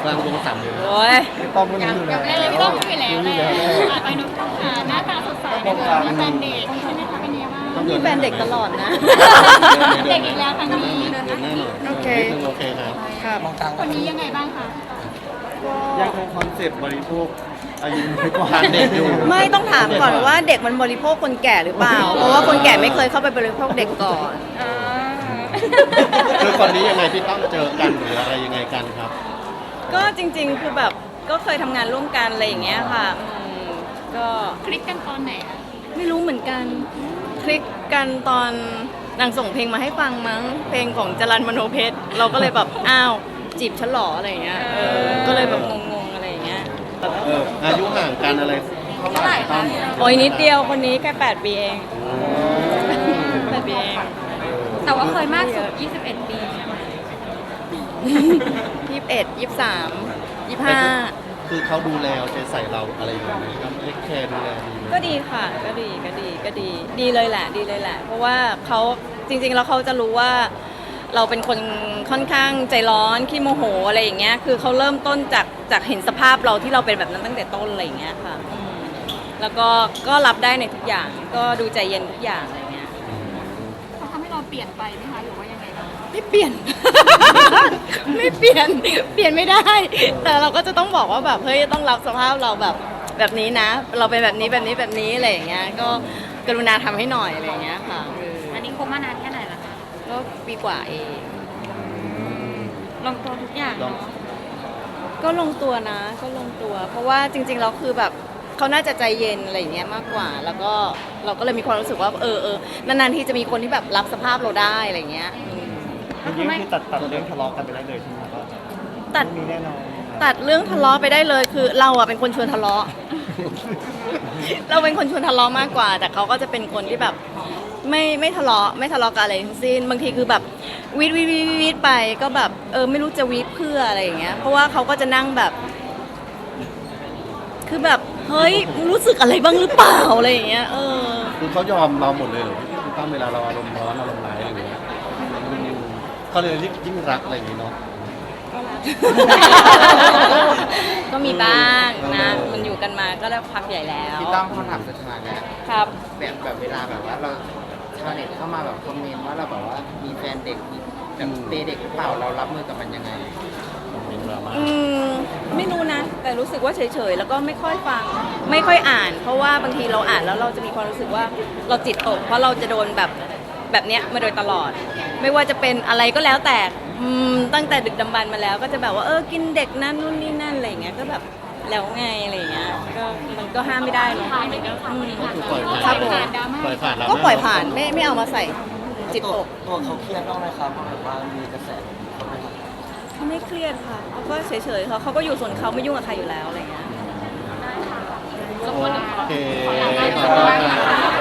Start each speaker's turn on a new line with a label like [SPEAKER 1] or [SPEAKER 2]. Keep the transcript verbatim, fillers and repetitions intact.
[SPEAKER 1] กลางวงสามเลย
[SPEAKER 2] โอ้ย
[SPEAKER 3] พี่ต้อมก็รู้อยู่แล้ว
[SPEAKER 4] เล่นเลยพี่ต้องพูดไปแล้วแหละอ่ะไปนุ๊กต้องค่ะหน้าตาสดใสนะคะมีแฟนเด็กใช่ไหมคะเป็นยังไงบ้าง
[SPEAKER 2] มีแฟนเด็กตลอดนะ
[SPEAKER 4] เด็กอีกแล้วครั้งนี้
[SPEAKER 1] เดินหน้าหน่อย
[SPEAKER 2] โอเค
[SPEAKER 1] โอเคครับ
[SPEAKER 2] ครับ
[SPEAKER 4] คนนี้ยังไงบ้างคะ
[SPEAKER 3] ยังคงคอนเซ็ปต์บริโภคอายุน้อยกว่า
[SPEAKER 1] ทานเด็กอยู่
[SPEAKER 2] ไม่ต้องถามก่อนว่าเด็กมันบริโภคคนแก่หรือเปล่า เพราะว่าคนแก่ไม่เคยเข้าไปบริโภคเด็กก่อน
[SPEAKER 1] คือคนนี้ยังไงพี่ต้องเจอกันหรืออะไรยังไงกันครับ
[SPEAKER 2] ก็จริงๆ คือแบบก็เคยทำงานร่วมกันอะไรอย่างเงี้ยค่ะอืมก็
[SPEAKER 4] คลิกกันตอนไหนคะ
[SPEAKER 2] ไม่รู้เหมือนกัน คลิกกันตอนนางส่งเพลงมาให้ฟังมั้ง เพลงของจรัญมโนเพชร เราก็เลยแบบ อ้าว จีบฉันเหรออะไรอย่างเงี้ย เออ ก็เลยแบบงงๆอะไรอย่างเงี้ย
[SPEAKER 1] เอออายุห่างกันอะไร
[SPEAKER 4] เท่าไหร่คะ
[SPEAKER 2] โอ้ยนิดเดียวคนนี้แค่แปดปีเองแปดปีเอง
[SPEAKER 4] แต่ว่าเคยมากสุดยี่สิบเอ็ดปีใช่ไหม
[SPEAKER 2] ยี่สิบเอ็ดยี่สิบสามยี่สิบห้า
[SPEAKER 1] คือเขาดูแลเอาใจใส่เราอะไรอย่างเงี้ยครับเทคแคร์ดูแลดีไหม
[SPEAKER 2] ก็ดีค่ะ ก็ดีก็ดีก็ดี ดีเลยแหละ ดีเลยแหละ เพราะว่าเขาจริงๆแล้วเขาจะรู้ว่า เราเป็นคนค่อนข้างใจร้อนขี้โมโหอะไรอย่างเงี้ย คือเขาเริ่มต้นจากจากเห็นสภาพเราที่เราเป็นแบบนั้นตั้งแต่ต้นอะไรอย่างเงี้ยค่ะอืมแล้วก็ก็รับได้ในทุกอย่าง ก็ดูใจเย็นทุกอย่างอะไรเงี้ย
[SPEAKER 4] เขาทำให้เราเปลี่ยนไปไหมคะหรือว่ายังไงบ้าง
[SPEAKER 2] ไม่เปลี่ยน ไม่เปลี่ยน เปลี่ยนไม่ได้ แต่เราก็จะต้องบอกว่าแบบเฮ้ยต้องรับสภาพเราแบบแบบนี้นะ เราเป็นแบบนี้แบบนี้แบบนี้อะไรอย่างเงี้ย ก็กรุณาทำให้หน่อยอะไรอย่างเงี้ยค่ะเออ
[SPEAKER 4] อันนี้คบมานานแค่ไหนละคะ
[SPEAKER 2] ก็ปีกว่าเอง
[SPEAKER 4] ลงตัวทุกอย่าง
[SPEAKER 1] ลอง
[SPEAKER 4] เนาะ
[SPEAKER 2] ก็ลงตัวนะ ก็ลงตัว เพราะว่าจริงๆเราคือแบบเขาน่าจะใจเย็นอะไรอย่างเงี้ยมากกว่า แล้วก็เราก็เลยมีความรู้สึกว่าเออเออนานๆที่จะมีคนที่แบบรับสภาพเราได้อะไรอย่างเงี้ยอืม
[SPEAKER 3] ก็คือคือตัดตัดเรื่องทะเลาะกันไปได้เลยใช่ไหมครับ
[SPEAKER 2] ตัด
[SPEAKER 3] มีแน่นอน
[SPEAKER 2] ตัดเรื่องทะเลาะไปได้เลยคือเราอะเป็นคนชวนทะเลาะ เราเป็นคนชวนทะเลาะมากกว่า แต่เขาก็จะเป็นคนที่แบบไม่ไม่ทะเลาะไม่ทะเลาะกันอะไรทั้งสิ้นบางทีคือแบบวีดวีดวีดวีดไปก็แบบเออไม่รู้จะวีดเพื่ออะไรอย่างเงี้ยเพราะว่าเขาก็จะนั่งแบบ คือแบบเฮ้ยมึงรู้สึกอะไรบ้างหรือเปล่าอะไรอย่างเงี้ยเออ
[SPEAKER 1] คือเขายอมเราหมดเลยเหรอพี่ตั้มเวลาเราอารมณ์ร้อนอารมณ์ร้ายอะไรอย่างเงี้ยอืมเขาเลยยิ่งรักอะไรอย่างงี้เนาะ
[SPEAKER 2] ก็มีบ้างนะ มันอยู่กันมาก็แล้วพักใหญ่แล้ว
[SPEAKER 5] พี่ต้องคำถามสุดท้ายแล้ว
[SPEAKER 2] ครับ
[SPEAKER 5] แบบแบบเวลาแบบว่าเราชาวเน็ตเข้ามาแบบคอมเมนต์ว่าเราแบบว่ามีแฟนเด็กมีแบบเปย์เด็กหรือเปล่าเรารับมือกับมันยังไง
[SPEAKER 1] มีดราม่า
[SPEAKER 2] อืมไม่รู้นะ แต่รู้สึกว่าเฉยๆแล้วก็ไม่ค่อยฟัง ไม่ค่อยอ่าน เพราะว่าบางทีเราอ่านแล้วเราจะมีความรู้สึกว่าเราจิตตก เพราะเราจะโดนแบบแบบเนี้ยมาโดยตลอด ไม่ว่าจะเป็นอะไรก็แล้วแต่อืมตั้งแต่ดึกดำบรรพ์มาแล้ว ก็จะแบบว่าเออกินเด็กนั่นนู่นนี่นั่นอะไรอย่างเงี้ยก็แบบแล้วไงอะไรอย่างเงี้ยก็มันก็ห้ามไม่ได้เนอะมันก็อืม
[SPEAKER 1] ก็คือปล่อยผ่าน
[SPEAKER 2] ครับผม
[SPEAKER 4] ดราม่า
[SPEAKER 1] ปล่อยผ่านแล้ว
[SPEAKER 2] ก็ปล่อยผ่านไม่ไม่เอามาใส่จิตตก
[SPEAKER 5] ตัวเขาเครียดบ้างไหมครับแบบว่ามีกระแสเขาไหมครับ
[SPEAKER 2] เขาไม่เครียดค่ะเขาก็เฉยๆเขาเขาก็อยู่ส่วนเขาไม่ยุ่งกับใครอยู่แล้วอะไรอย่างเงี้ย
[SPEAKER 1] โอเคขอบคุณค่ะ